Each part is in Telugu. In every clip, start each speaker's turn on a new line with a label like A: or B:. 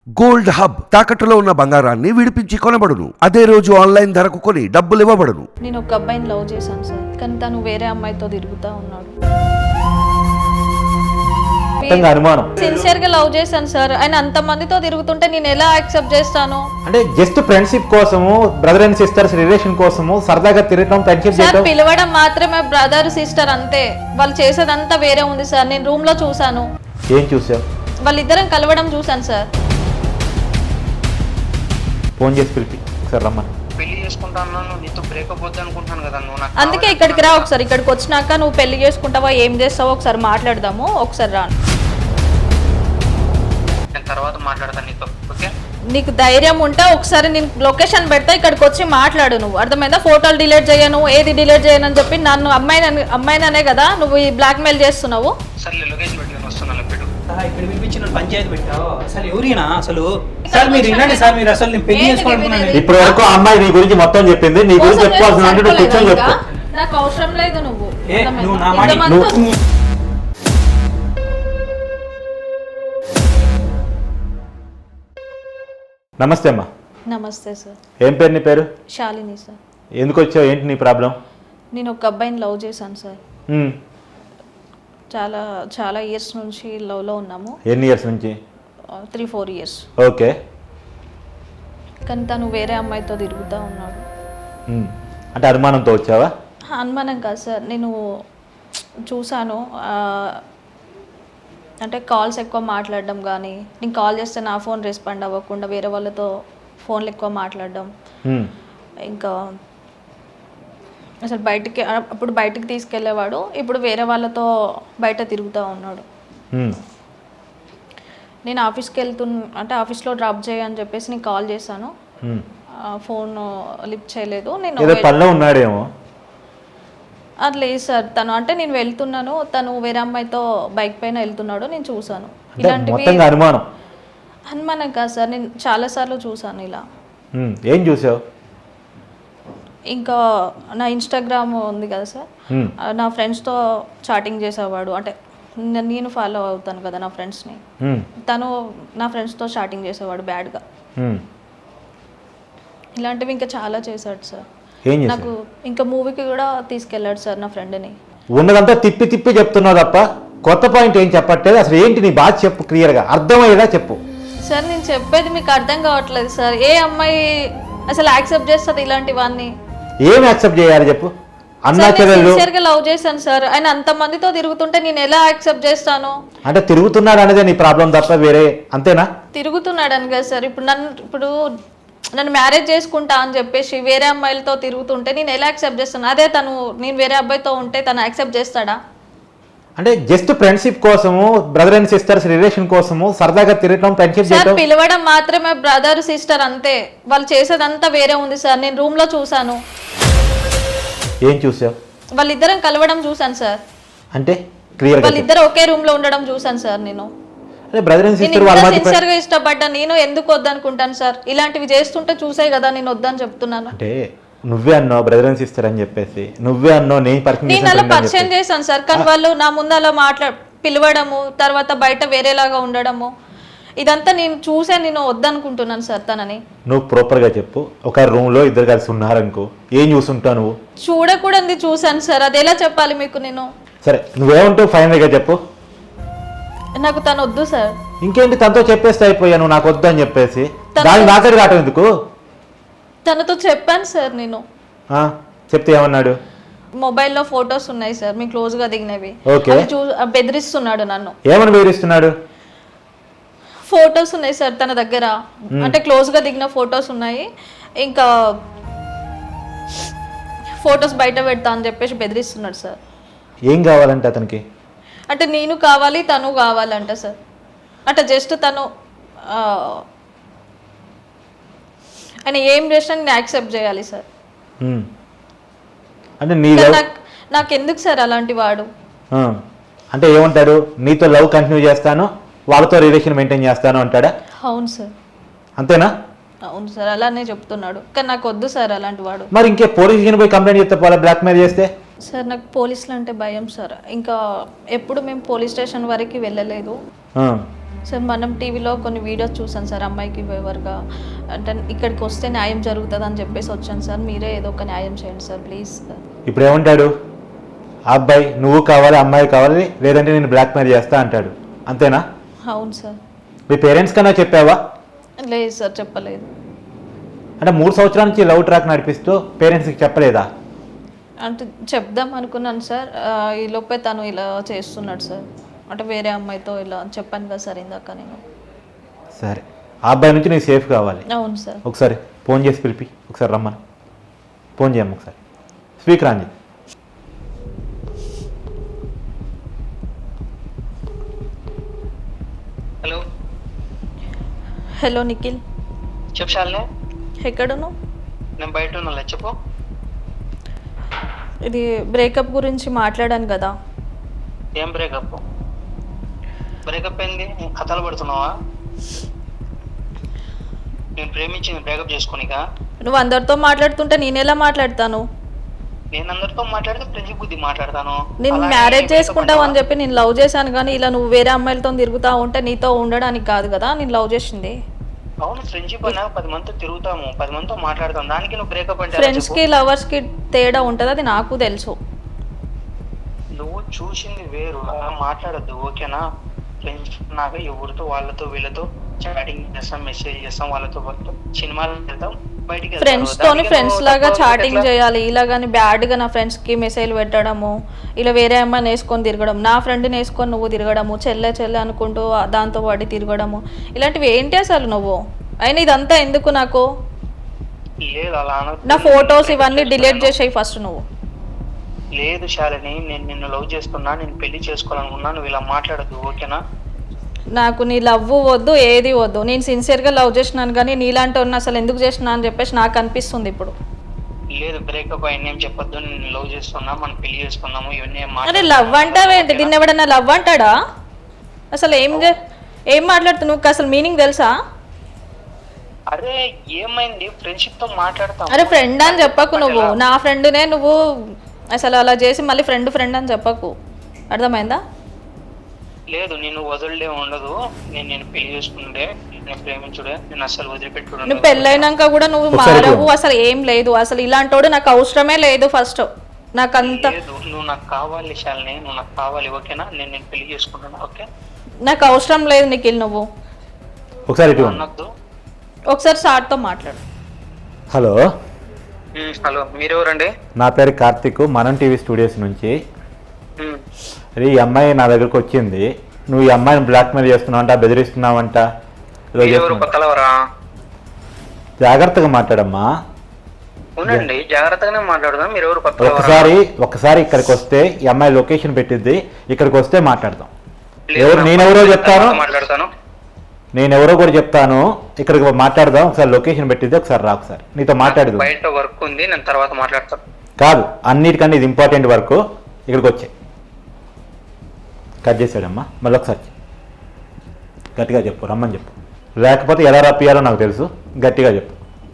A: గోల్డ్ హబ్ తాకట్టులో ఉన్న బంగారాన్ని విడిపించి కొనబడును. అదే రోజు ఆన్లైన్ ధరకు కొని డబ్బులు ఇవ్వబడును.
B: నేను ఒక అబ్బాయిని లవ్ చేశాను సార్, కానీ తను వేరే అమ్మాయితో తిరుగుతూ ఉన్నాడు.
C: అనుమానం
B: సిన్సియర్ గా లవ్ చేశాను సార్, ఆయన అంత మందితో తిరుగుతుంటే నేను ఎలా యాక్సెప్ట్ చేస్తాను?
C: అంటే జస్ట్ ఫ్రెండ్షిప్ కోసము, బ్రదర్ అండ్ సిస్టర్స్ రిలేషన్ కోసము సరదాగా తిరగడం, ఫ్రెండ్షిప్
B: సార్
C: చేయడం.
B: పిలవడం మాత్రమే బ్రదర్ సిస్టర్ అంతే. వాళ్ళు చేసేదంతా వేరే ఉంది సార్. నేను రూమ్ లో చూసాను,
C: ఏం చూసావు?
B: వాళ్ళిద్దరం కలవడం చూసాను సార్.
C: ఫోన్ చేసి పిలిపి ఒకసారి రమ్మని.
D: పెళ్లి చేసుకుంటాను, నీతో బ్రేకప్ వద్దు అనుకుంటాను కదా నువ్వు. నాకు
B: అందుకే ఇక్కడికి రా ఒకసారి. ఇక్కడికి వచ్చినాక నువ్వు పెళ్లి చేసుకుంటావా, ఏం చేస్తావో ఒకసారి మాట్లాడదాము. ఒకసారి రా,
D: నేను తర్వాత మాట్లాడతాను నీతో, ఓకే?
B: నీకు ధైర్యం ఉంటే ఒకసారి నేను లొకేషన్ పెడతా, ఇక్కడికి వచ్చి మాట్లాడు. నువ్వు అర్థమైందా? ఫోటోలు డిలీట్ చేయను, ఏది డిలీట్ చేయను అని చెప్పి నన్ను అమ్మాయిననే కదా నువ్వు ఈ బ్లాక్ మెయిల్ చేస్తున్నావు.
D: సర్లే లొకేషన్ పెట్టి నేను వస్తున్నాను, పెట్టు.
E: ఇక్కడ పిలిపించి నన్ను పంచాయతీ పెట్టావు. అసలు ఎవరినా అసలు? సార్ మీరు వినండి సార్, మీరు అసలు నేను పెళ్లి చేసుకోవాలనుకున్నాను.
C: ఇప్పటి వరకు అమ్మాయి నీ గురించి మొత్తం చెప్పింది. నీ గురించి చెప్పుకోవాల్సిన అంటే నువ్వు కూర్చొని చెప్పు.
B: నాకు అవసరం లేదు నువ్వు.
E: నువ్వు నా మాట
B: ఇంతమంది-
C: నమస్తే అమ్మా.
B: నమస్తే సార్.
C: ఏం పేరు నీ పేరు?
B: శాలిని సార్.
C: ఎందుకు వచ్చావు? ఏంటి నీ ప్రాబ్లం?
B: నేను ఒక అబ్బాయిని లవ్ చేశాను సార్. చాలా చాలా ఇయర్స్ నుంచి లవ్లో ఉన్నాము.
C: ఎన్ని ఇయర్స్ నుంచి?
B: 3-4 ఇయర్స్.
C: ఓకే.
B: కానీ తను వేరే అమ్మాయితో తిరుగుతూ ఉన్నాడు.
C: అంటే అనుమానంతో వచ్చావా?
B: అనుమానం కాదు సార్, నేను చూశాను. అంటే కాల్స్ ఎక్కువ మాట్లాడడం కానీ, నేను కాల్ చేస్తే నా ఫోన్ రెస్పాండ్ అవ్వకుండా వేరే వాళ్ళతో ఫోన్లు ఎక్కువ మాట్లాడడం, ఇంకా అసలు అప్పుడు బయటికి తీసుకెళ్ళేవాడు, ఇప్పుడు వేరే వాళ్ళతో బయట తిరుగుతూ ఉన్నాడు. నేను ఆఫీస్కి అంటే ఆఫీస్లో డ్రాప్ చేయని చెప్పేసి నేను కాల్ చేశాను, ఫోన్ లిఫ్ట్ చేయలేదు. నేను
C: పనిలో ఉన్నాడేమో.
B: అది లేదు సార్, తను అంటే నేను వెళ్తున్నాను, తను వేరే అమ్మాయితో బైక్ పైన వెళ్తున్నాడు, నేను చూసాను. ఇలాంటివి అనుమానం కాదు సార్, నేను చాలాసార్లు చూసాను ఇలా.
C: ఏం చూసావు?
B: ఇంకా నా ఇన్స్టాగ్రామ్ ఉంది కదా సార్, నా ఫ్రెండ్స్తో చాటింగ్ చేసేవాడు. అంటే నేను ఫాలో అవుతాను కదా నా ఫ్రెండ్స్ని, తను నా ఫ్రెండ్స్తో చాటింగ్ చేసేవాడు బ్యాడ్గా. ఇలాంటివి ఇంకా చాలా చేశాడు సార్. నాకు ఇంకా మూవీకి కూడా తీసుకెళ్ళాడు సార్ నా ఫ్రెండ్ని.
C: ఉన్నదంతా తిప్పి తిప్పి చెప్తున్నావు తప్ప కొత్త పాయింట్ ఏం చెప్పట్లేదు. అసలు ఏంటి నీ బాధ చెప్పు, క్లియర్గా అర్థమయ్యేలా చెప్పు.
B: సార్ నేను చెప్పేది మీకు అర్థం కావట్లేదు సార్. ఏ అమ్మాయి అసలు యాక్సెప్ట్ చేస్తుంది ఇలాంటివన్నీ?
C: ఏం యాక్సెప్ట్ చేయాలి చెప్పు? అన్నా చెల్లెలు
B: సిన్సియర్ గా లవ్ చేశాను సార్, ఆయన అంత మందితో తిరుగుతుంటే నేను ఎలా యాక్సెప్ట్ చేస్తాను?
C: అంటే తిరుగుతున్నాడు అనేది నీ ప్రాబ్లం తప్ప వేరే అంతేనా?
B: తిరుగుతున్నాడు అని కదా సార్. ఇప్పుడు నన్ను మ్యారేజ్ చేసుకుంటా అని చెప్పేసి వేరే అమ్మాయిలతో తిరుగుతుంటే నేను ఎలా యాక్సెప్ట్ చేస్తాను? అదే నేను వేరే అబ్బాయితో ఉంటే తను యాక్సెప్ట్ చేస్తాడా?
C: అంటే జస్ట్ ఫ్రెండ్షిప్ కోసము, బ్రదర్ అండ్ సిస్టర్స్ రిలేషన్ కోసము సరదాగా తిరగడం, ఫ్రెండ్షిప్
B: సార్ పిలవడం మాత్రమే బ్రదర్ సిస్టర్ అంతే. వాళ్ళు చేసేదంతా వేరే ఉంది సార్. నేను రూమ్ లో చూసాను.
C: ఏం చూసావు?
B: వాళ్ళిద్దరం కలవడం చూసాను సార్.
C: అంటే క్లియర్ గా
B: వాళ్ళిద్దరు ఒకే రూమ్ లో ఉండడం చూసాను సార్. నేను
C: అదే బ్రదర్ అండ్ సిస్టర్ వాళ్ళ మధ్య
B: సిన్సియర్ గా ఇష్టపడ్డా. నేను ఎందుకు వద్దనుకుంటాను సార్? ఇలాంటివి చేస్తుంటే చూసే కదా నేను వద్దని చెప్తున్నాను.
C: అంటే నువ్వే అన్నావు బ్రదర్ అండ్ సిస్టర్ అని చెప్పేసి, నువ్వే అన్నావు
B: నేను అలా పరిచయం చేశాను సార్. కానీ వాళ్ళు నా ముందు అలా పిలవడము, తర్వాత బయట వేరేలాగా ఉండడము, ఇదంతా నేను చూసే నేను వద్దనుకుంటున్నాను సార్ తనని.
C: నువ్వు ప్రాపర్ గా చెప్పు. ఒక రూమ్ లో ఇద్దరు కలిసి ఉన్నారనుకో, ఏం చూసుంటావు నువ్వు?
B: చూడకూడదు చూసాను సార్. అది ఎలా చెప్పాలి మీకు నేను?
C: సరే నువ్వేమంటావు ఫైనల్ గా చెప్పు.
B: నాకు తను వద్దు సార్.
C: ఇంకేంటి, తనతో చెప్పేస్తే అయిపోయాను నాకు వద్దు అని చెప్పేసి. దానికి నాకడి రావటం ఎందుకు?
B: తనతో చెప్పాను సార్ నేను.
C: చెప్తే ఏమన్నాడు?
B: మొబైల్లో ఫొటోస్ ఉన్నాయి సార్ మీ క్లోజ్ గా దిగినవి.
C: ఓకే.
B: బెదిరిస్తున్నాడు నన్ను.
C: ఏమని బెదిరిస్తున్నాడు?
B: ఫొటోస్ ఉన్నాయి సార్ తన దగ్గర, అంటే క్లోజ్ గా దిగిన ఫొటోస్ ఉన్నాయి. ఇంకా ఫొటోస్ బయట పెడతా అని చెప్పేసి బెదిరిస్తున్నాడు సార్.
C: ఏం కావాలంటే అతనికి?
B: అంటే నేను కావాలి, తను కావాలంట సార్. అంటే జస్ట్ తను ఆయన ఏం చేసినా నేను యాక్సెప్ట్ చేయాలి సార్.
C: అంటే
B: నాకు ఎందుకు సార్ అలాంటి వాడు?
C: అంటే ఏమంటాడు? నీతో లవ్ కంటిన్యూ చేస్తాను, వాళ్ళతో రిలేషన్ మెయింటైన్ చేస్తాను అంటాడా?
B: అవును సార్.
C: అంతేనా?
B: అవును సార్, అలానే చెప్తున్నాడు. కానీ నాకు వద్దు సార్ అలాంటి వాడు.
C: మరి ఇంకే పోలీస్ స్టేషన్ పోయి కంప్లైంట్ చేస్తే పోలా, బ్లాక్ మెయిల్ చేస్తే?
B: సార్ నాకు పోలీసులు అంటే భయం సార్. ఇంకా ఎప్పుడు మేము పోలీస్ స్టేషన్ వరకు వెళ్ళలేదు. సార్ మనం టీవీలో కొన్ని వీడియోస్ చూసాను సార్, అమ్మాయికి ఫేవర్గా అంటే ఇక్కడికి వస్తే న్యాయం జరుగుతుంది అని చెప్పేసి వచ్చాను సార్. మీరే ఏదో ఒక న్యాయం చేయండి సార్ ప్లీజ్ సార్.
C: ఇప్పుడు ఏమంటాడు ఆ అబ్బాయి? నువ్వు కావాలి, అమ్మాయి కావాలి, లేదంటే నేను బ్లాక్మెయిల్ చేస్తా అంటాడు, అంతేనా?
B: అవును సార్.
C: మీ పేరెంట్స్ కన్నా చెప్పావా?
B: లేదు సార్, చెప్పలేదు.
C: అంటే 3 సంవత్సరాల నుంచి లవ్ ట్రాక్ నడిపిస్తూ పేరెంట్స్కి చెప్పలేదా?
B: అంటే చెప్దాం అనుకున్నాను సార్, ఈ లోపే తను ఇలా చేస్తున్నాడు సార్. అంటే వేరే అమ్మాయితో ఇలా చెప్పాను కదా సార్ ఇందాక నేను.
C: సరే, ఆ అబ్బాయి నుంచి నీకు సేఫ్ కావాలి.
B: అవును సార్.
C: ఒకసారి ఫోన్ చేసి పిలిపి, ఒకసారి రమ్మని ఫోన్ చేయమ్మ, ఒకసారి స్పీకర్ ఆన్ చేయి.
D: హలో
B: హలో నిఖిల్,
D: చెప్పు శాలిని.
B: ఎక్కడును?
D: నేను బయట ఉన్నా, చెప్పు.
B: ఇది బ్రేకప్ గురించి మాట్లాడాను కదా.
D: ఏం బ్రేకప్? బ్రేకప్ ఏంది? కథలు పడుతున్నావా? నేను ప్రేమించింది బ్రేకప్ చేసుకోనికా?
B: నువ్వు అందరితో మాట్లాడుతుంటే నేను ఎలా మాట్లాడతాను?
D: నేను అందరితో మాట్లాడితే ప్రతి బుద్ధి మాట్లాడతాను.
B: నేను
D: అలాగే
B: మ్యారేజ్
D: breakup
B: చేసుకుంటావు అని
D: అంటావా?
B: చెప్పి నేను లవ్ చేశాను, కానీ ఇలా నువ్వు వేరే అమ్మాయిలతో తిరుగుతా ఉంటే నీతో ఉండడానికి కాదు కదా నేను లవ్ చేసింది.
D: అవును, ఫ్రెండ్షిప్ అన్నా 10 మందితో తిరుగుతాము, 10 మందితో మాట్లాడతాం, దానికి నువ్వు బ్రేకప్ అంటే ఎలా
B: ఫ్రెండ్స్
D: చెప్పు?
B: కి లవర్స్ కి తేడా ఉంటుంది, అది నాకు తెలుసు.
D: నువ్వు చూసింది వేరు, అలా మాట్లాడద్దు, ఓకేనా? ఫ్రెండ్స్ నాకు ఎవరితో వాళ్ళతో వీళ్ళతో చాటింగ్ చేస్తాం, మెసేజ్ చేస్తాం, వాళ్ళతో సినిమాలు వెళ్తాం, బయటికి వెళ్తాం.
B: ఫ్రెండ్స్ తోని
D: దానికి
B: ఫ్రెండ్స్
D: నువ్వు
B: లాగా
D: తక్కువ
B: చాటింగ్
D: ఎట్లా?
B: చేయాలి, ఇలాగని బ్యాడ్ గా నా ఫ్రెండ్స్ కి మెసేజ్ పెట్టడము, ఇలా వేరే అమ్మాయిని వేసుకొని తిరగడం, నా ఫ్రెండ్ని వేసుకొని నువ్వు తిరగడము, చెల్లె చెల్లె అనుకుంటూ దాంతో పడి తిరగడము, ఇలాంటివి ఏంటి అసలు నువ్వు? అయినా ఇదంతా ఎందుకు నాకు?
D: లేదు, అలా అనొద్దు.
B: నా ఫొటోస్ ఇవన్నీ డిలీట్ చేసేయి ఫస్ట్ నువ్వు.
D: లేదు శాలిని, నేను నిన్ను లవ్ చేస్తున్నా, నేను పెళ్లి చేసుకోవాలనుకున్నా, నువ్వు ఇలా మాట్లాడద్దు, ఓకేనా?
B: నాకు నీ లవ్ వద్దు, ఏది వద్దు. నేను సిన్సియర్గా లవ్ చేసినాను, కానీ నీలాంటి ఉన్న అసలు ఎందుకు చేసినా అని చెప్పేసి నాకు అనిపిస్తుంది ఇప్పుడు.
D: లేదు, బ్రేకప్ అయిన ఏం చెప్పొద్దు, నేను లవ్ చేస్తున్నా, మనం పెళ్లి చేసుకుందాము, ఇవన్నీ ఏం
B: అరే
D: మాట్లాడొద్దు,
B: లవ్ అంటావేంటి? దీన్ని ఎవడన్నా లవ్ అంటాడా? అసలు ఏం మాట్లాడుతున్నావు? నువ్వు అసలు మీనింగ్ తెలుసా?
D: అరే ఏమైంది? ఫ్రెండ్షిప్ తో మాట్లాడతాం.
B: అరే ఫ్రెండ్ అని చెప్పకు నువ్వు, నా ఫ్రెండ్నే నువ్వు అసలు అలా చేసి మళ్ళీ ఫ్రెండ్ అని చెప్పకు, అర్థమైందా?
D: లేదు, నేను వదలడే ఉండదు, నేను పెళ్లి చేసుకుంటే, నేను ప్రేమించుడే, నేను అసలు వదిలిపెట్టుడు.
B: నువ్వు పెళ్ళైనాక కూడా నువ్వు
C: ఒకసారి
B: మారవు, అసలు ఏం లేదు. అసలు ఇలాంటోడు నాకు అవసరమే లేదు. ఫస్ట్ నాకంత
D: లేదు, నువ్వు నాకు కావాలి శాలిని, నువ్వు నాకు కావాలి, ఓకేనా? నేను పెళ్లి చేసుకుంటాను, ఓకే?
B: నాకు అవసరం లేదు నిఖిల్. నువ్వు
C: ఒకసారి ఇటు
D: అనొద్దు.
B: ఒకసారి సార్తో మాట్లాడు.
C: హలో,
D: హలో, మీరెవరండి?
C: నా పేరు కార్తిక్, మనం టీవీ స్టూడియోస్ నుంచి. అరే ఈ అమ్మాయి నా దగ్గరకు వచ్చింది, నువ్వు ఈ అమ్మాయిని బ్లాక్మెయిల్ చేస్తున్నావంట, బెదిరిస్తున్నావంట, ఇలా
D: ఎవరు?
C: చేస్తున్నావు.
D: కొత్తలవరా?
C: జాగ్రత్తగా మాట్లాడమ్మా.
D: అవునండి, జాగ్రత్తగానే మాట్లాడదాం. మీరు ఎవరు? కొత్తలవరా?
C: ఒకసారి ఇక్కడికి వస్తే ఈ అమ్మాయి లొకేషన్ పెట్టిద్ది, ఇక్కడికి వస్తే మాట్లాడదాం.
D: లేదు,
C: ఎవరు? నేనెవరో చెప్తాను,
D: మాట్లాడతాను.
C: నేనెవరో కూడా చెప్తాను, ఇక్కడికి మాట్లాడదాం. ఒకసారి లొకేషన్ పెట్టిద్ది, ఒకసారి రా, ఒకసారి నీతో మాట్లాడదు.
D: బయట వర్క్ ఉంది, నేను తర్వాత మాట్లాడతాను.
C: కాదు, అన్నిటికన్నా ఇది ఇంపార్టెంట్ వర్క్. ఇక్కడికి వచ్చే కట్ చేసాడమ్మా, మళ్ళీ ఒకసారి గట్టిగా చెప్పు, రమ్మని చెప్పు, లేకపోతే ఎలా రప్పియాలో నాకు తెలుసు, గట్టిగా చెప్పు.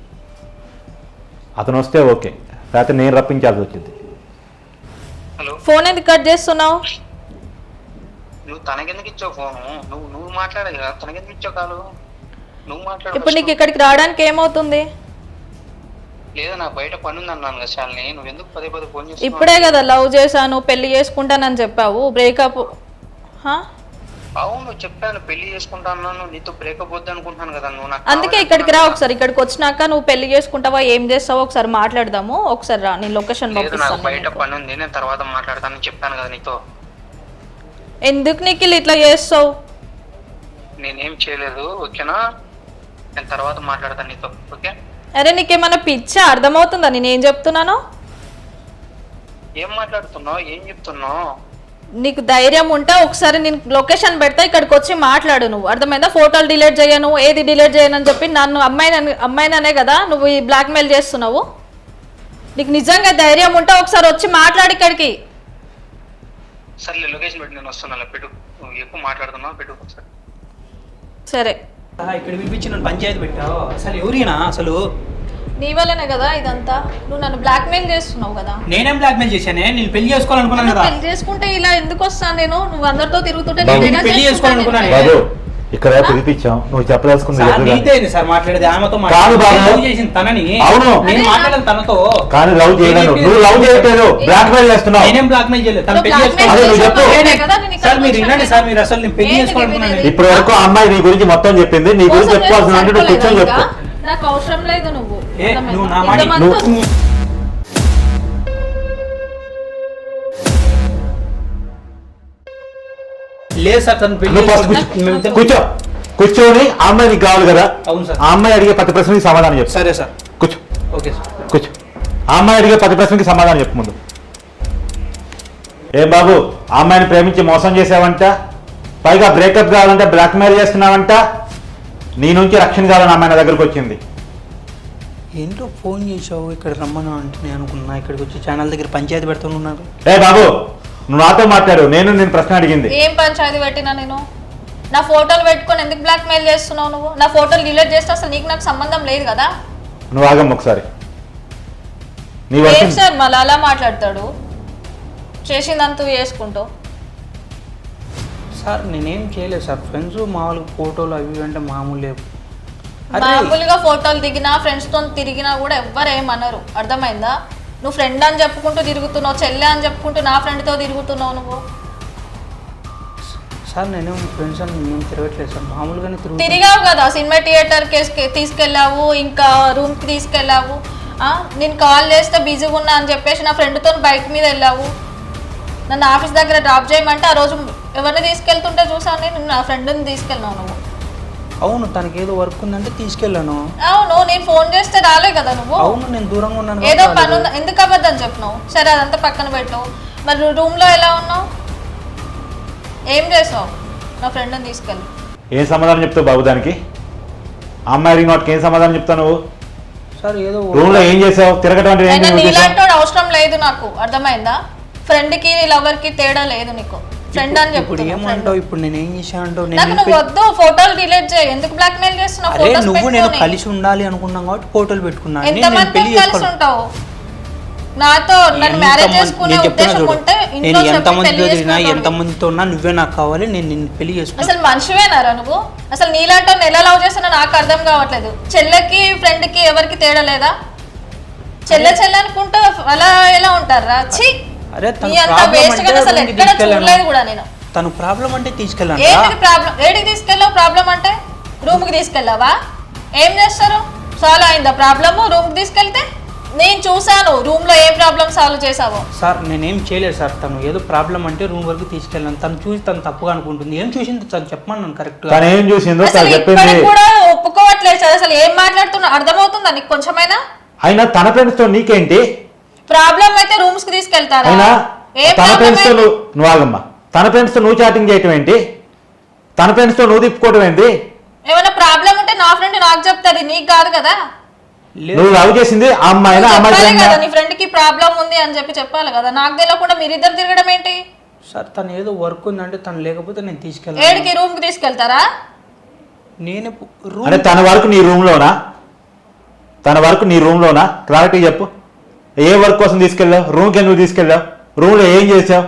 C: అతను వస్తే ఓకే, లేకపోతే నేను రప్పించాల్సి వచ్చింది.
D: హలో,
B: ఫోన్ ఎందుకు కట్ చేస్తున్నావు?
D: నువ్వు తనకెందుకు ఇచ్చావు ఫోను? నువ్వు మాట్లాడాలి కదా, తనకెందుకు ఇచ్చావు కాలు? నువ్వు మాట్లాడు.
B: ఇప్పుడు నీకు ఇక్కడికి రావడానికి ఏమవుతుంది?
D: లేదా నాకు బయట పని ఉంది అన్నాను కదా శాలిని, నువ్వు ఎందుకు పదే ఫోన్ చేస్తున్నావు?
B: ఇప్పుడే కదా లవ్ చేశాను, పెళ్లి చేసుకుంటానని చెప్పావు, బ్రేకప్.
D: అవును చెప్పాను, పెళ్లి చేసుకుంటా అన్నాను, నీతో బ్రేకప్ వద్దు అనుకుంటున్నాను కదా. నువ్వు నాకు
B: అందుకే ఇక్కడికి రా ఒకసారి. ఇక్కడికి వచ్చినాక నువ్వు పెళ్లి చేసుకుంటావా, ఏం చేస్తావో ఒకసారి మాట్లాడదాము. ఒకసారి రా, నేను లొకేషన్
D: లేదు, నాకు
B: పంపిస్తాను.
D: బయట పని ఉంది, నేను తర్వాత మాట్లాడతానని చెప్పాను కదా నీతో.
B: ఎందుకు నిఖిల్ ఇట్లా చేస్తావు?
D: నేనేం చేయలేదు, ఓకేనా? నేను తర్వాత మాట్లాడతాను నీతో, ఓకే?
B: అరే నీకేమన్నా పిచ్చా? అర్థమవుతుందా నేనేం చెప్తున్నానో?
D: ఏం మాట్లాడుతున్నావు, ఏం చెప్తున్నావు?
B: నీకు ధైర్యం ఉంటే ఒకసారి నేను లొకేషన్ పెడతా, ఇక్కడికి వచ్చి మాట్లాడు. నువ్వు అర్థమైందా? ఫోటోలు డిలీట్ చేయను, ఏది డిలీట్ చేయను అని చెప్పి నన్ను అమ్మాయిననే కదా నువ్వు ఈ బ్లాక్మెయిల్ చేస్తున్నావు. నీకు నిజంగా ధైర్యం ఉంటే ఒకసారి వచ్చి మాట్లాడు ఇక్కడికి.
D: సర్లే, లొకేషన్ పెట్టి నేను వస్తున్నాను, పెట్టు. నువ్వు ఎక్కువ మాట్లాడుతున్నావు, పెట్టు ఒకసారి.
B: సరే,
E: ఇక్కడ పిలిపించి నన్ను పంచాయతీ పెట్టావు, అసలు ఎవరినా అసలు?
B: నీ వల్లనే కదా ఇదంతా. నువ్వు నన్ను బ్లాక్మెయిల్ చేస్తున్నావు కదా.
E: నేనేం బ్లాక్మెయిల్ చేశానే? నేను పెళ్లి చేసుకోవాలనుకున్నాను కదా.
B: పెళ్లి చేసుకుంటే ఇలా ఎందుకు వస్తాను నేను? నువ్వు అందరితో తిరుగుతుంటే
C: బాబు,
B: నేను ఎలా
E: పెళ్లి
B: చేసుకుంటాను?
E: చేసుకోవాలనుకున్నాను.
C: బాబు ఇక్కడ పిలిపించాం, నువ్వు చెప్పదలుచుకుంది
E: సార్
C: ఎదురుగా.
E: నీతో ఏంది సార్ మాట్లాడేది? ఆమెతో
C: కాదు బాబు.
E: లవ్ చేసింది తనని.
C: అవును.
E: నేను మాట్లాడేది తనతో.
C: కానీ లవ్ చేయలేదు, నువ్వు లవ్ చేయట్లేదు, బ్లాక్ మెయిల్ చేస్తున్నావు.
E: నేనేం బ్లాక్ మెయిల్ చేయలేదు. తను
B: నువ్వు
E: పెళ్లి
B: blackmail
C: అదే నువ్వు చెప్పు.
B: చేస్తున్నావు
E: సార్ మీరు వినండి సార్, మీరు అసలు నేను పెళ్లి
B: ఏంటి
E: చేసుకోవాలనుకున్నాను.
B: వినేది?
C: ఇప్పటి వరకు ఆ అమ్మాయి నీ గురించి మొత్తం చెప్పింది, నీ గురించి చెప్పుకోవాల్సిన అంటే నువ్వు కూర్చొని చెప్పు.
B: నాకు అవసరం లేదు నువ్వు
E: ఏ, నువ్వు నా మాట
B: ఇంతమంది
E: లేదు సార్, తను పెళ్లి
C: నువ్వు ఫస్ట్
E: చేసుకోవాలి.
C: కూర్చో, కూర్చొని ఆ అమ్మాయి నీకు కావాలి కదా,
E: అవును సార్.
C: ఆ అమ్మాయి అడిగే ప్రతి ప్రశ్నకి సమాధానం చెప్పు.
E: సరే సార్,
C: కూర్చో
E: ఓకే సార్.
C: కూర్చో, ఆ అమ్మాయి అడిగే ప్రతి ప్రశ్నకి సమాధానం చెప్పు ముందు. ఏం బాబు, ఆ అమ్మాయిని ప్రేమించి మోసం చేసావంట, పైగా బ్రేకప్ కావాలంటే బ్లాక్ మెయిల్ చేస్తున్నావంట, నీ నుంచి రక్షణ కావాలని అమ్మాయి నా దగ్గరకు వచ్చింది.
E: ఏంటో ఫోన్ చేసావు ఇక్కడ రమ్మను అంటే నేను అనుకున్నా ఇక్కడికి వచ్చి ఛానల్ దగ్గర పంచాయతీ పెడుతున్నారు.
C: ఏ బాబు, నువ్వు నాతో మాట్లాడు, నేను ప్రశ్న అడిగింది.
B: ఏం పంచాయతీ పెట్టినా నేను? నా ఫోటోలు పెట్టుకొని ఎందుకు బ్లాక్ మెయిల్ చేస్తున్నావు నువ్వు? నా ఫోటోలు డిలీట్ చేస్తే అసలు నీకు నాకు సంబంధం లేదు కదా.
C: నువ్వు ఆగమ్మ ఒకసారి. నీ
B: ఏం
C: వర్షం
B: సార్ మళ్ళీ అలా మాట్లాడతాడు? చేసిందంతా చేసుకుంటావు.
E: సార్ నేనేం చేయలేదు సార్, ఫ్రెండ్స్ మామూలుగా ఫోటోలు అవి ఇవి అంటే మామూలే. అరే
B: మామూలుగా ఫోటోలు దిగినా ఫ్రెండ్స్తో తిరిగినా కూడా ఎవ్వరు ఏమనరు, అర్థమైందా? నువ్వు ఫ్రెండ్ అని చెప్పుకుంటూ తిరుగుతున్నావు, చెల్లె అని చెప్పుకుంటూ నా ఫ్రెండ్తో తిరుగుతున్నావు నువ్వు.
E: సార్ నేనేం ఫ్రెండ్స్ అని నేను తిరగట్లేదు సార్, మామూలుగానే
B: తిరిగావు కదా, సినిమా థియేటర్కి తీసుకెళ్ళావు, ఇంకా రూమ్కి తీసుకెళ్ళావు. నేను కాల్ చేస్తే బిజీగా ఉన్నా అని చెప్పేసి నా ఫ్రెండ్తో బైక్ మీద వెళ్ళావు. నన్ను ఆఫీస్ దగ్గర డ్రాప్ చేయమంటే ఆ రోజు ఎవరిని తీసుకెళ్తుంటే చూసాను నేను, నా ఫ్రెండ్ని తీసుకెళ్ళినావు నువ్వు.
E: అవును, తనకి ఏదో వర్క్ ఉందంటే తీసుకెళ్ళాను.
B: అవును, నేను ఫోన్ చేస్తే రాలే కదా నువ్వు.
E: అవును, నేను దూరంగా ఉన్నాను.
B: ఏదో పని ఉంది, ఎందుకు అబద్ధం చెప్పినావు? సరే అదంతా పక్కన పెట్టు. మరి రూమ్లో ఎలా ఉన్నావు? ఏం చేసావు? నా ఫ్రెండ్ని తీసుకెళ్ళి
C: ఏం సమాధానం చెప్తావు బాబు దానికి? ఆ అమ్మాయి రింగ్ అవుట్కి ఏం సమాధానం చెప్తావు నువ్వు?
E: సార్ ఏదో
C: రూమ్ లో ఏం చేసావు? తిరగటం అంటే ఏంటి
B: అయినా
C: నువ్వు చేసావు?
B: నీలాంటి అవసరం లేదు నాకు, అర్థమైందా? ఫ్రెండ్కి లవర్కి తేడా లేదు నీకు. ఫ్రెండ్ అని
E: ఇప్పుడు
B: చెప్తున్నా, friend.
E: ఏమంటావు? ఇప్పుడు నేను ఏం చేశాను అంటావు?
B: నాకు నువ్వు వద్దు, ఫోటోలు డిలీట్ చేయి. ఎందుకు బ్లాక్ మెయిల్ చేస్తున్నావు?
E: అరే
B: ఫోటోస్
E: నువ్వు నేను
B: పెట్టుకొని.
E: కలిసి ఉండాలి అనుకున్నాం కాబట్టి ఫోటోలు పెట్టుకున్నాను. నేను
B: ఎంతమంది
E: పెళ్లి
B: కలిసి
E: చేసుకోను.
B: ఉంటావు? నాతో నన్ను మ్యారేజ్ చేసుకునే
E: నేను చెప్తున్నా
B: ఉద్దేశం
E: చూడు,
B: ఉంటే
E: నేను
B: ఇంట్లో చెప్పి
E: ఎంతమంది
B: పెళ్లి
E: తిరిగినా
B: చేసుకుంటావు.
E: ఎంతమందితో ఉన్నా నువ్వే నాకు కావాలి, నేను నిన్ను పెళ్లి చేసుకున్నాను.
B: అసలు మనిషివేనారా నువ్వు? అసలు నీలాంటి ఎలా లవ్ చేస్తున్నా నాకు అర్థం కావట్లేదు. చెల్లెకి ఫ్రెండ్కి ఎవరికి తేడా లేదా? చెల్లె అనుకుంటూ అలా ఎలా ఉంటారా? ఛీ,
E: అరే తన
B: నీ అంత
E: ప్రాబ్లం
B: వేస్ట్ గా
E: అంటే
B: అసలు
E: రూమ్కి
B: ఎక్కడ చూడలేదు
E: తీసుకెళ్ళాను.
B: కూడా నేను.
E: తను ప్రాబ్లం అంటే తీసుకెళ్ళాను.
B: ఏంటిది ప్రాబ్లం? ఏడికి తీసుకెళ్ళావు? ప్రాబ్లం అంటే రూమ్కి తీసుకెళ్ళావా? ఏం చేస్తారు? సాల్వ్ అయిందా ప్రాబ్లము? రూమ్కి తీసుకెళ్తే నేను చూసాను రూమ్ లో ఏ ప్రాబ్లం సాల్వ్ చేసావో.
E: సార్ నేనేం చేయలేదు సార్, తను ఏదో ప్రాబ్లం అంటే రూమ్ వరకు తీసుకెళ్ళాను. తను చూసి తను తప్పుగా అనుకుంటుంది. ఏం చూసింది తను చెప్పమన్నాను కరెక్ట్.
C: తను ఏం చూసిందో
B: అసలు
C: తను చెప్పింది.
B: ఇప్పటికి కూడా ఒప్పుకోవట్లేదు సార్. అసలు ఏం మాట్లాడుతున్నా అర్థమవుతుందా నీకు కొంచెమైనా?
C: అయినా తన ఫ్రెండ్స్ తో నీకేంటి
B: ప్రాబ్లం అయితే రూమ్స్ కి తీసుకెళ్తారా?
C: అయినా
B: ఏం
C: తన
B: ప్రాబ్లం
C: ఫ్రెండ్స్ తో
B: అయితే?
C: నువ్వు ఆగమ్మా, తన ఫ్రెండ్స్ తో నువ్వు చాటింగ్ చేయటం ఏంటి? తన ఫ్రెండ్స్ తో నువ్వు తిప్పుకోవటం ఏంటి?
B: ఏమైనా ప్రాబ్లం ఉంటే నా ఫ్రెండ్ నాకు చెప్తాది, నీకు కాదు కదా.
C: నువ్వు లవ్ చేసింది ఆ అమ్మాయినా? ఆ అమ్మాయి
B: చెప్పాలి
C: friend ఆ?
B: కదా నీ ఫ్రెండ్ కి ప్రాబ్లం ఉంది అని చెప్పాలి కదా. నాకు తెలియకుండా మీరిద్దరు తిరగడం ఏంటి?
E: సార్ తను ఏదో వర్క్ ఉందంటే తను లేకపోతే నేను తీసుకెళ్ళాను.
B: ఏడికి రూమ్ కి తీసుకెళ్తారా?
E: నేను
C: అంటే తన వరకు నీ రూమ్ లోనా? తన వరకు నీ రూమ్ లోనా? క్లారిటీ చెప్పు. ఏ వర్క్ కోసం తీసుకెళ్ళావు? రూమ్కి ఎందుకు తీసుకెళ్ళావు? రూమ్ లో ఏం చేసావు?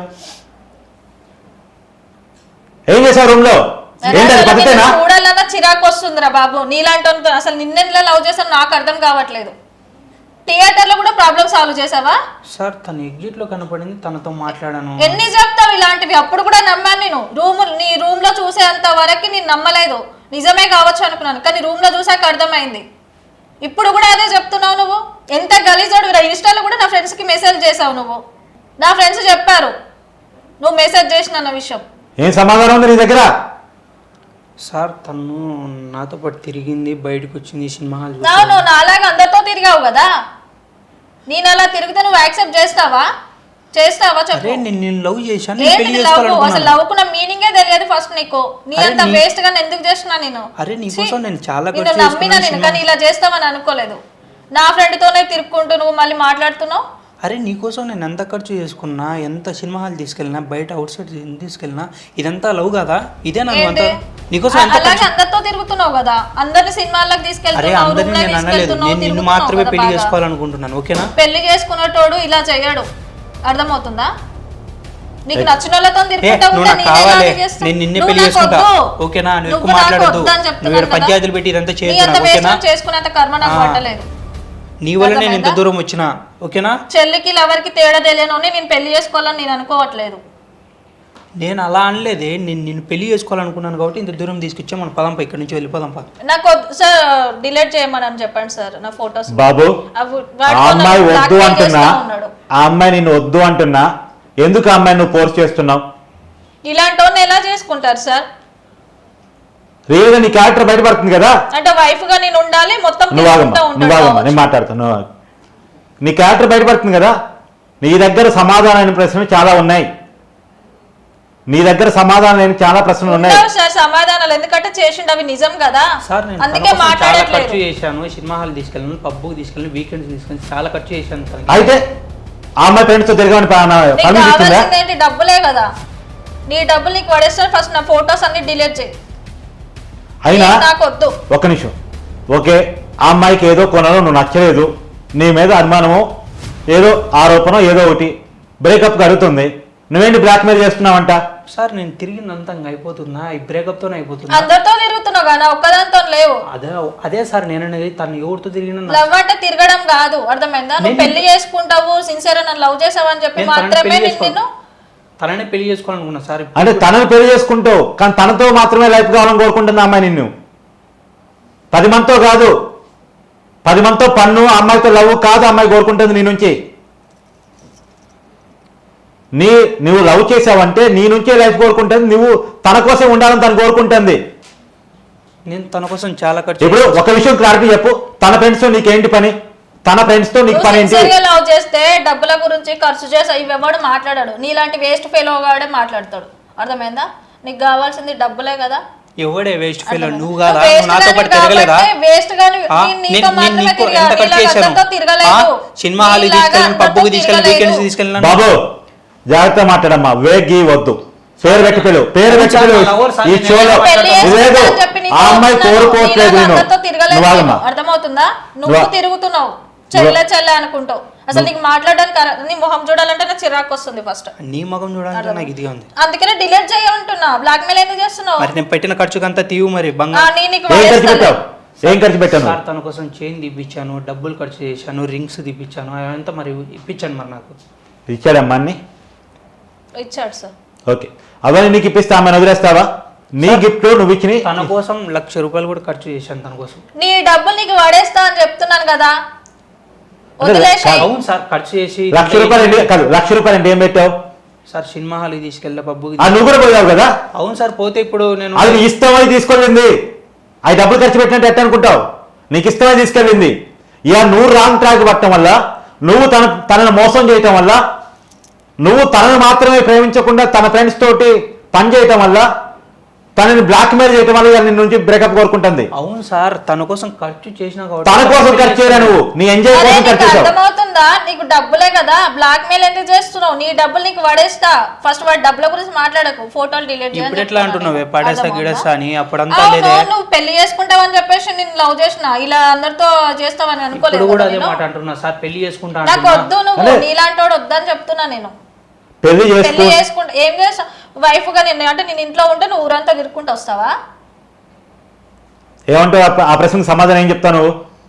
C: ఏం చేసావు రూమ్ లో? ఏంటి అది పద్ధతేనా?
B: చూడాలన్నా చిరాకు వస్తుందిరా బాబు. నీలాంటి అసలు నిన్నెలా లవ్ చేశాను నాకు అర్థం కావట్లేదు. థియేటర్ లో కూడా ప్రాబ్లం సాల్వ్ చేసావా?
E: సార్ తను ఎగ్జిట్ లో కనపడింది, తనతో మాట్లాడాను.
B: ఎన్ని చెప్తావు ఇలాంటివి? అప్పుడు కూడా నమ్మాను నేను. నీ రూమ్ లో చూసేంత వరకు నేను నమ్మలేదు. నిజమే కావచ్చు అనుకున్నాను, కానీ రూమ్ లో చూసాక అర్థమైంది. ఇప్పుడు కూడా అదే చెప్తున్నావు నువ్వు. ఎంత గలీజోడు. ఇన్స్టాలో కూడా నా ఫ్రెండ్స్ కి మెసేజ్ చేసావు నువ్వు. నా ఫ్రెండ్స్ చెప్పారు నువ్వు మెసేజ్ చేసిన విషయం.
C: ఏం సమాధానం ఉంది నీ దగ్గర?
E: సార్ తను నాతో పాటు తిరిగింది, బయటకు వచ్చింది, సినిమా హాల్
B: నువ్వు నాలాగా అందరితో తిరిగావు కదా. నేను అలా తిరిగితే నువ్వు యాక్సెప్ట్ చేస్తావా? చెప్పు.
E: అరే నేను లవ్ చేశాను, నేను పెళ్లి
B: ఏంటి లవ్? అసలు
E: చేసుకోవాలనుకున్నాను.
B: లవ్ కున్న మీనింగే తెలియదు ఫస్ట్ నీకు. నీ
E: అరే
B: అంత వేస్ట్ గా ఎందుకు చేస్తున్నా నేను?
E: అరే నీకోసం నేను చాలా
B: నేను
E: ఖర్చు
B: నమ్మినా నేను,
E: చేసుకున్నాను.
B: కానీ ఇలా చేస్తామని అనుకోలేదు. నా ఫ్రెండ్ తోనే తిరుక్కుంటూ నువ్వు మళ్ళీ మాట్లాడుతున్నావు.
E: అరే నీకోసం నేను ఎంత ఖర్చు చేసుకున్నా, ఎంత సినిమా హాల్ తీసుకెళ్ళినా, బయట అవుట్ సైడ్ తీసుకెళ్ళినా, ఇదంతా లవ్ కదా? ఇదే నన్ను అంత నీకోసం ఎంత
B: అలాగే అందరితో తిరుగుతున్నావు కదా. అందరిని సినిమాలకు
E: అరే
B: తీసుకెళ్తున్నావు,
E: అందరినీ
B: రూమ్ లో
E: నేను అనలేదు,
B: తీసుకెళ్తున్నావు,
E: నేను నిన్ను
B: తిరుగుతున్నావు
E: మాత్రమే
B: కదా
E: పెళ్లి
B: బాగా.
E: చేసుకోవాలనుకుంటున్నాను. ఓకేనా?
B: పెళ్లి చేసుకున్నటోడు ఇలా చెయ్యడు, అర్థమవుతుందా? నీకు నచ్చిన వాళ్ళతో తిరుగుకుంటా
E: నువ్వు
B: ఉంటా,
E: నాకు
B: నేనే
E: కావాలి,
B: ఇలాగే చేస్తా.
E: నేను నిన్నే
B: నువ్వు
E: పెళ్లి
B: నాకు
E: చేసుకుంటా,
B: వద్దు.
E: ఓకేనా? నువ్వు ఎక్కువ
B: నువ్వు నాకు
E: మాట్లాడొద్దు,
B: వద్దు అని
E: నువ్వు
B: చెప్తున్నాను
E: ఇక్కడ పంచాయతీలు పెట్టి ఇదంతా
B: నీ
E: చేయొద్దు,
B: అంత
E: ఓకేనా?
B: వేస్ట్ చేసుకునేంత కర్మ నాకు పట్టలేదు.
E: నీ వల్లనే నేను ఇంత దూరం వచ్చినా, ఓకేనా?
B: చెల్లికి లవర్కి తేడా తెలియని నేను పెళ్లి చేసుకోవాలని నేను అనుకోవట్లేదు.
E: నేను అలా అనలేదే, నిన్ను పెళ్లి చేసుకోవాలనుకున్నాను కాబట్టి ఇంత దూరం తీసుకొచ్చా. మన పదంపా, ఇక్కడ నుంచి వెళ్ళిపోదాంపా.
B: నాకు సార్ డిలీట్ చేయమని చెప్పండి సార్ నా ఫొటోస్.
C: బాబు ఆ అమ్మాయి వద్దు అంటున్నా, ఆ అమ్మాయి నిన్ను వద్దు అంటున్నా, ఎందుకు ఆ అమ్మాయి నువ్వు ఫోర్స్ చేస్తున్నావు?
B: ఇలాంటి వాళ్ళని ఎలా చేసుకుంటారు సార్?
C: రియల్ గా నీ క్యారెక్టర్ బయటపడుతుంది కదా.
B: అంటే వైఫ్ గా నేను ఉండాలి మొత్తం
C: నువ్వు
B: తిరుగుతూ
C: నువ్వు ఆగమ్మా,
B: ఉంటాను.
C: నేను మాట్లాడుతాను. నీ క్యారెక్టర్ బయటపడుతుంది కదా. నీ దగ్గర సమాధానమైన ప్రశ్నలు చాలా ఉన్నాయి. నీ దగ్గర సమాధానం లేని చాలా ప్రశ్నలు ఉన్నాయి
B: సార్. సమాధానాలు ఎందుకంటే చేసిండు అవి నిజం కదా,
E: సార్ నేను
B: అందుకే
E: చాలా ఖర్చు
B: మాట్లాడట్లేదు.
E: చేశాను. సినిమా హాల్ తీసుకెళ్ళాను, పబ్కి తీసుకెళ్ళాను, వీకెండ్స్ తీసుకెళ్ళి చాలా ఖర్చు చేశాను తనకి.
C: అయితే ఆ అమ్మాయి ఫ్రెండ్స్ తో తిరగమని
B: నీకు
C: పర్మిషన్ ఇచ్చిందా?
B: కావాల్సింది ఏంటి? డబ్బులే కదా. నీ డబ్బులు నీకు పడేస్తారు. ఫస్ట్ నా ఫొటోస్ అన్ని డిలీట్ చేయి.
C: అయినా
B: నాకు వద్దు.
C: ఒక్క నిమిషం. ఓకే, ఆ అమ్మాయికి ఏదో కొనలో నువ్వు నచ్చలేదు, నీ మీద అనుమానము, ఏదో ఆరోపణ, ఏదో ఒకటి బ్రేకప్ కలుగుతుంది, నువ్వేంటి బ్లాక్మెయిల్ చేస్తున్నావంట?
E: సార్ నేను తిరిగిందంతా అయిపోతుందా? ఈ బ్రేకప్ తోనే అయిపోతుందా?
B: అందరితో తిరుగుతున్నావు కదా, ఒక్కదాంతో లేవు.
E: అదే సార్ నేను అనేది, తను ఎవరితో తిరిగినా
B: లవ్ అంటే తిరగడం కాదు, అర్థమైందా? నువ్వు పెళ్లి చేసుకుంటావు, సిన్సియర్ నన్ను లవ్ చేసావు అని చెప్పి
E: నేను తనని
B: మాత్రమే
E: పెళ్లి
B: నిన్ను
E: తననే పెళ్లి చేసుకోవాలనుకున్నా సార్.
C: అంటే తనను పెళ్లి చేసుకుంటావు, కానీ తనతో మాత్రమే లైఫ్ కావాలని కోరుకుంటుంది అమ్మాయి నిన్ను. 10 మందితో కాదు, 10 మందితో పన్ను, అమ్మాయితో లవ్ కాదు అమ్మాయి కోరుకుంటుంది నీ నుంచి. నువ్వు లవ్ చేసావంటే నీ నుంచే లైఫ్ కోరుకుంటుంది, నువ్వు తన కోసం ఉండాలని తను కోరుకుంటుంది.
E: నేను తన కోసం చాలా ఖర్చు
C: ఇప్పుడు ఒక విషయం క్లారిటీ చెప్పు, తన ఫ్రెండ్స్ తో నీకేంటి పని? తన ఫ్రెండ్స్ తో నీకు పని ఏంటి?
B: లవ్ చేస్తే డబ్బుల గురించి ఖర్చు చేసి ఇవ్వడు మాట్లాడాడు. నీలాంటి వేస్ట్ ఫెయిల్ గాడే మాట్లాడతాడు, అర్థమైందా? నీకు కావాల్సింది డబ్బులే కదా.
E: ఎవడే వేస్ట్ ఫెయిల్? నువ్వు కాదా? నువ్వు నాతో పాటు తిరగలేదా?
B: వేస్ట్ గాని నీతో మాత్రమే తిరగలేదు.
E: సినిమా హాల్ తీసుకెళ్ళి, పబ్బుకి తీసుకెళ్ళి, వీకెండ్స్ తీసుకెళ్ళినా.
C: బాబు జాగ్రత్త మాట్లాడమ్మా, వేగి వద్దు, పేరు పెట్టి పిలువు, పేరు పెట్టి పిలువు. ఈ షోలో లేదు, ఆ అమ్మాయి కోరుకోవట్లేదు. నువ్వు ఆగమ్మా.
B: అర్థమవుతుందా? నువ్వు తిరుగుతున్నావు చెల్లె అనుకుంటావు. అసలు నీకు మాట్లాడడానికి నీ మొహం చూడాలంటే నాకు చిరాకు వస్తుంది ఫస్ట్.
E: నీ ముఖం చూడాలంటే నాకు ఇదిగా ఉంది.
B: అందుకనే డిలీట్ చేయాలంటున్నా. బ్లాక్ మెయిల్ ఎందుకు చేస్తున్నావు?
E: మరి నేను పెట్టిన ఖర్చుకంతా తీవు మరి బంగారం.
C: ఏం ఖర్చు పెట్టాను?
E: సార్ తన కోసం చైన్ తీపిచ్చాను, డబ్బులు ఖర్చు చేశాను, రింగ్స్ తీపిచ్చాను, అవంతా మరి ఇప్పించాను. మరి నాకు
C: ఇచ్చాడమ్మా అన్ని?
B: ఇచ్చాడు సార్.
C: ఓకే, అవన్నీ నీకు ఇప్పిస్తా, అమ్మని వదిలేస్తావా? నీ గిఫ్ట్ నువ్వు ఇచ్చిన.
E: తన కోసం 1,00,000 రూపాయలు కూడా ఖర్చు చేశాను తన కోసం.
B: నీ డబ్బులు నీకు పడేస్తా అని చెప్తున్నాను కదా, వదిలేసాయి.
E: అవును సార్, ఖర్చు చేసి
C: 1,00,000 రూపాయలు కాదు, 1,00,000 రూపాయలు అంటే ఏం పెట్టావు
E: సార్? సినిమా హాల్ తీసుకెళ్ళా, పబ్బుకి.
C: నువ్వు కూడా పోయావు కదా.
E: అవును సార్, పోతే ఇప్పుడు నేను
C: అది నీ ఇష్టమని తీసుకెళ్ళింది. అవి డబ్బులు ఖర్చు పెట్టినట్టు ఎట్ట అనుకుంటావు? నీకు ఇష్టమని తీసుకెళ్ళింది. ఇక నువ్వు రాంగ్ ట్రాక్ పట్టడం వల్ల, నువ్వు తనను మోసం చేయటం వల్ల, నువ్వు తనను మాత్రమే ప్రేమించకుండా తన ఫ్రెండ్స్ తోటి పని చేయటం వల్ల, తనని బ్లాక్మెయిల్ చేయటం వల్ల నిన్ను నుంచి బ్రేకప్ కోరుకుంటుంది.
E: అవును సార్, తన కోసం ఖర్చు చేసిన
C: తన కోసం ఖర్చు చేయరా, నువ్వు నీ ఎంజాయ్ కోసం ఖర్చు చేసావు.
B: అర్థమవుతుందా? నీకు డబ్బులే కదా, బ్లాక్ మెయిల్ ఎందుకు చేస్తున్నావు? నీ డబ్బులు నీకు పడేస్తా. ఫస్ట్ వాడి డబ్బుల గురించి మాట్లాడకు, ఫోటోలు డిలీట్ చేయాలి.
E: ఇప్పుడు ఎట్లా అంటున్నావే పడేస్తా గిడేస్తా అని? అప్పుడంతా లేదే.
B: నువ్వు పెళ్లి చేసుకుంటావని చెప్పేసి నేను లవ్ చేసిన, ఇలా అందరితో చేస్తావని
E: ఇప్పుడు
B: అనుకోలేదు.
E: కూడా అదే మాట అంటున్నా సార్, పెళ్లి చేసుకుంటా
B: నాకు వద్దు, నువ్వు నీలాంటి వాడు వద్దని చెప్తున్నా. నేను
C: పెళ్లి
B: చేసుకుంటా ఏం చేస్తావు? వైఫ్ గా నేను అంటే నేను ఇంట్లో ఉంటే నువ్వు ఊరంతా తిరుక్కుంటూ వస్తావా?
C: ఏమంటావు? ఆ ప్రశ్నకు సమాధానం ఏం చెప్తాను?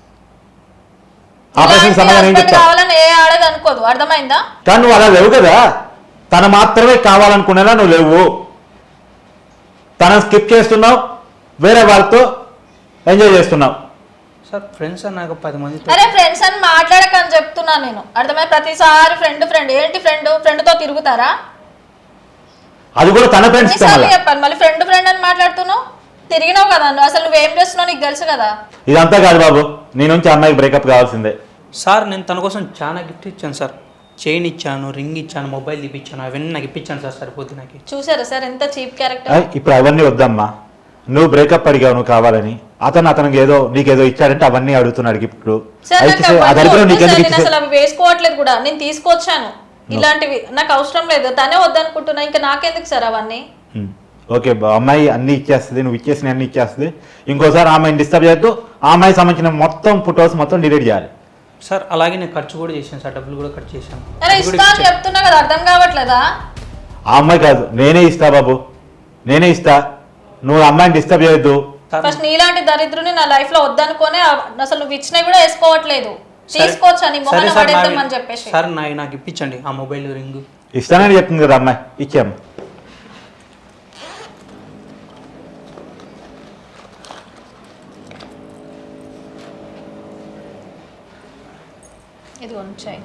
C: ఆ ప్రశ్నకు సమాధానం ఏం చెప్తావు?
B: కావాలని ఏ ఆడది అనుకోదు, అర్థమైందా?
C: కానీ నువ్వు అలా లేవు కదా, తన మాత్రమే కావాలనుకునేలా నువ్వు లేవు. తనని స్కిప్ చేస్తున్నావు, వేరే వాళ్ళతో ఎంజాయ్ చేస్తున్నావు.
E: సార్ ఫ్రెండ్స్ అన్నాక 10 మంది.
B: అరే ఫ్రెండ్స్ అని మాట్లాడకని చెప్తున్నా నేను, అర్థమైంది? ప్రతిసారి ఫ్రెండ్ ఏంటి ఫ్రెండ్ తో తిరుగుతారా?
C: అది కూడా తన ఫ్రెండ్స్
B: చెప్పాను, మళ్ళీ ఫ్రెండ్ అని మాట్లాడుతున్నావు. తిరిగినావు కదా నువ్వు, అసలు నువ్వేం చేస్తున్నావు నీకు తెలుసు కదా.
C: ఇదంతా కాదు బాబు, నీ నుంచి అమ్మాయికి బ్రేకప్ కావాల్సిందే.
E: సార్ నేను తన కోసం చాలా గిఫ్ట్ ఇచ్చాను సార్. చైన్ ఇచ్చాను, రింగ్ ఇచ్చాను, మొబైల్ ఇప్పించాను, అవన్నీ నాకు ఇప్పించాను సార్. సరిపోద్ది నాకు.
B: చూసారా సార్ ఎంత చీప్ క్యారెక్టర్?
C: ఇప్పుడు అవన్నీ వద్దమ్మా, నువ్వు బ్రేకప్ అడిగావు, నువ్వు కావాలని. అతనికి ఏదో నీకేదో ఇచ్చాడంటే అవన్నీ అడుగుతున్నాడు గిఫ్ట్లు.
B: అసలు అవి వేసుకోవట్లేదు కూడా, నేను తీసుకొచ్చాను ఇలాంటివి, నాకు అవసరం లేదు. తనే వద్దనుకుంటున్నా, ఇంకా నాకెందుకు సార్ అవన్నీ?
C: ఓకే, అమ్మాయి అన్ని ఇచ్చేస్తుంది, నువ్వు ఇచ్చేసిన అన్ని ఇచ్చేస్తుంది. ఇంకోసారి అమ్మాయిని డిస్టర్బ్ చేయొద్దు. ఆ అమ్మాయి సంబంధించిన మొత్తం ఫొటోస్ మొత్తం డిలీట్ చేయాలి
E: సార్. అలాగే నేను ఖర్చు కూడా చేశాను సార్, డబ్బులు కూడా ఖర్చు చేశాను.
B: చెప్తున్నా కదా, అర్థం కావట్లేదా?
C: ఆ అమ్మాయి కాదు, నేనే ఇస్తా బాబు, నేనే ఇస్తా. నువ్వు అమ్మాయిని డిస్టర్బ్ చేయొద్దు.
B: ఫస్ట్ నీలాంటి దరిద్రుని నా లైఫ్ లో వద్దనుకోనే అసలు నువ్వు ఇచ్చినా కూడా వేసుకోవట్లేదు. తీసుకోవచ్చు అని మొహన పడేద్దామని చెప్పేసి.
E: సార్ నాకు ఇప్పించండి ఆ మొబైల్ రింగ్.
C: ఇస్తానని చెప్తుంది కదా అమ్మాయి, ఇచ్చాము.
B: ఇది ఉంచాయి.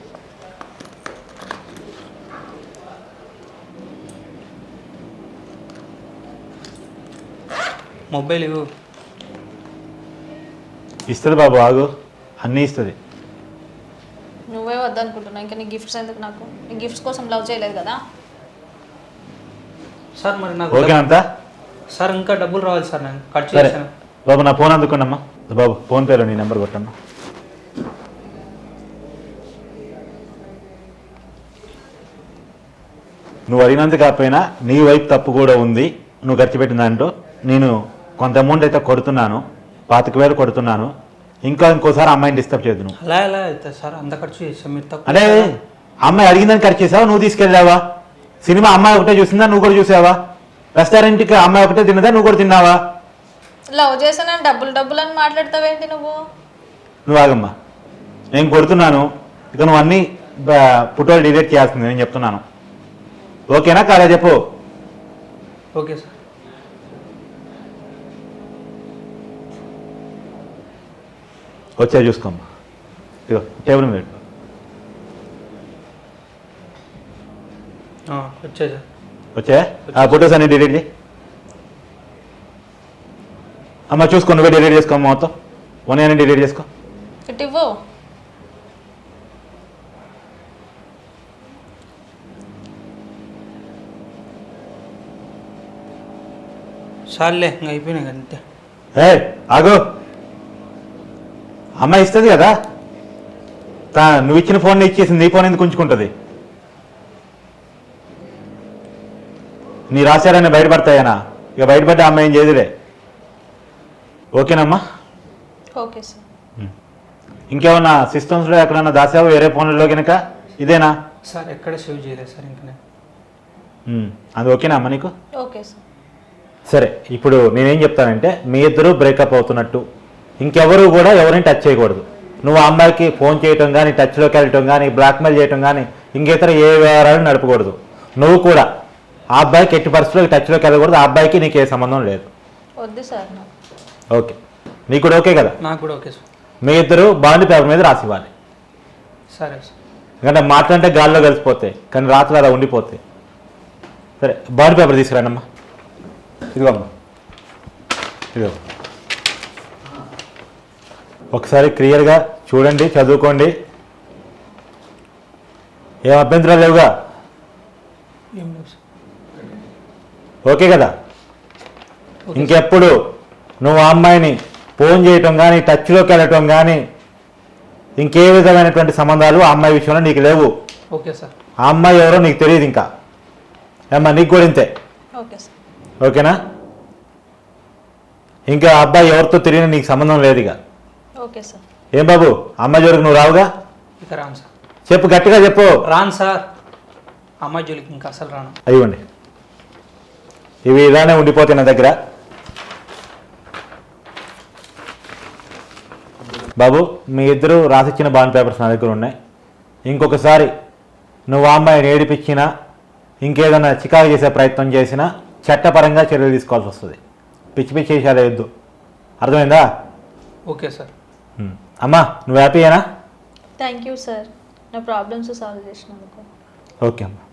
E: మొబైల్ ఇవ్వు.
C: ఇస్తుంది బాబు, ఆగు, అన్నీ ఇస్తుంది.
B: నువ్వే వద్దనుకుంటున్నా, ఇంకా నీ గిఫ్ట్స్ ఎందుకు నాకు? నీ గిఫ్ట్స్ కోసం లవ్ చేయలేదు కదా.
E: సార్ మరి నాకు
C: ఓకే అంతా?
E: సార్ ఇంకా డబ్బులు రావాలి సార్, నేను కట్
C: సరే
E: చేశాను.
C: బాబు, నా ఫోన్ అందుకున్నమ్మా. బాబు ఫోన్పేలో నీ నెంబర్ కొట్టమ్మా. నువ్వు అడిగినంత కాకపోయినా నీ వైపు తప్పు కూడా ఉంది. నువ్వు ఖర్చు పెట్టిన దాంట్లో నేను కొంత అమౌంట్ అయితే కొడుతున్నాను, 25,000 కొడుతున్నాను. ఇంకోసారి అమ్మాయిని డిస్టర్బ్ చేయదు నువ్వు.
E: అలా ఎలా అవుతుంది సార్, అంత ఖర్చు చేసాం మీరు తప్పు.
C: అంటే అమ్మాయి అడిగిందని ఖర్చు చేసావా, నువ్వు తీసుకెళ్ళావా? సినిమా అమ్మాయి ఒకటే చూసిందా, నువ్వు కూడా చూసావా? రెస్టారెంట్కి అమ్మాయి ఒకటే తిన్నదా, నువ్వు కూడా తిన్నావా?
B: లవ్ చేసాను డబ్బులు అని మాట్లాడతావేంటి నువ్వు?
C: నువ్వు ఆగమ్మా, నేను కొడుతున్నాను. ఇక నువ్వు అన్నీ ఫోటోలు డిలీట్ చేయాల్సింది, నేను చెప్తున్నాను. ఓకేనా కాదా చెప్పు.
E: Okay sir.
C: వచ్చా చూసుకోమ్మా. ఇగో టేబుల్ మీద పెట్టు.
E: వచ్చే సార్.
C: వచ్చా ఆ ఫొటోస్ అన్ని డిలీట్ చేయి. అమ్మ చూసుకో, నువ్వే డిలీట్ చేసుకోమ్మా, మొత్తం అన్ని డిలీట్ చేసుకో.
B: ఇటు ఇవ్వు.
E: సార్లే ఇంకా అయిపోయినాయి అంతే.
C: ఆగో, అమ్మాయి ఇస్తుంది కదా, నువ్వు ఇచ్చిన ఫోన్ ఇచ్చేసింది, నీ ఫోన్ ఎందుకు ఉంచుకుంటుంది? నీ రాశారని బయటపడతాయనా? ఇక బయటపడ్డ అమ్మాయి ఏం చేయదులే. ఓకేనమ్మా?
B: Okay sir.
C: ఇంకేమన్నా సిస్టమ్స్లో ఎక్కడన్నా దాసావు వేరే ఫోన్లలో కనుక? ఇదేనా
E: సార్? ఎక్కడ సేవ్ చేయలేదు సార్ ఇంకా నేను.
C: అది ఓకేనా అమ్మ నీకు?
B: Okay sir.
C: సరే, ఇప్పుడు నేనేం చెప్తానంటే మీ ఇద్దరు బ్రేకప్ అవుతున్నట్టు, ఇంకెవరు కూడా ఎవరిని టచ్ చేయకూడదు. నువ్వు ఆ అమ్మాయికి ఫోన్ చేయటం కానీ, టచ్లోకి వెళ్ళటం కానీ, బ్లాక్మెయిల్ చేయటం కానీ, ఇంకేతర ఏ వ్యవహారాలు నడపకూడదు. నువ్వు కూడా ఆ అబ్బాయికి ఎట్టి పరిస్థితుల్లో టచ్లోకి వెళ్ళకూడదు. ఆ అబ్బాయికి నీకు ఏ సంబంధం లేదు.
B: వద్దు సార్ నాకు.
C: ఓకే, నీకు కూడా ఓకే కదా?
E: నాకు కూడా ఓకే సార్.
C: మీ ఇద్దరు బాండ్ పేపర్ మీద రాసివ్వాలి.
E: సరే సార్.
C: ఎందుకంటే మాట్లాడితే గాల్లో కలిసిపోతాయి, కానీ రాత్రులు అలా ఉండిపోతాయి. సరే, బాండ్ పేపర్ తీసుకురానమ్మా. ఇదిగో అమ్మా, ఇదిగో. ఒకసారి క్లియర్గా చూడండి, చదువుకోండి. ఏం అభ్యంతరాలు లేవుగా?
E: ఏం లేదు సార్.
C: ఓకే కదా? ఇంకెప్పుడు నువ్వు ఆ అమ్మాయిని ఫోన్ చేయటం కానీ, టచ్లోకి వెళ్ళటం కానీ, ఇంకే విధమైనటువంటి సంబంధాలు ఆ అమ్మాయి విషయంలో నీకు లేవు.
E: Okay sir.
C: ఆ అమ్మాయి ఎవరో నీకు తెలియదు ఇంకా. ఏమ్మా, నీకు కూడా ఇంతే.
B: Okay sir.
C: ఓకేనా? ఇంకా ఆ అబ్బాయి ఎవరితో తిరిగినా నీకు సంబంధం లేదు ఇక.
B: Okay sir.
C: ఏం బాబు, అమ్మాయి జోలికి నువ్వు రావుగా?
E: ఇక రాను సార్.
C: చెప్పు, గట్టిగా చెప్పు.
E: రాను సార్, అమ్మాయి జోలికి ఇంకా అసలు రాను.
C: అయ్యండి, ఇవి ఇలానే ఉండిపోతాయి నా దగ్గర. బాబు, మీ ఇద్దరు రాసిచ్చిన బాండ్ పేపర్స్ నా దగ్గర ఉన్నాయి. ఇంకొకసారి నువ్వు ఆ అమ్మాయిని ఏడిపించినా, ఇంకేదైనా చికాకు చేసే ప్రయత్నం చేసినా చట్టపరంగా చర్యలు తీసుకోవాల్సి వస్తుంది. పిచ్చి పిచ్చి చేసేలా వద్దు, అర్థమైందా?
E: Okay sir.
C: అమ్మా, నువ్వు హ్యాపీయేనా?
B: థ్యాంక్ యూ సార్, నా ప్రాబ్లమ్స్ సాల్వ్ చేసినందుకు.
C: ఓకే అమ్మా.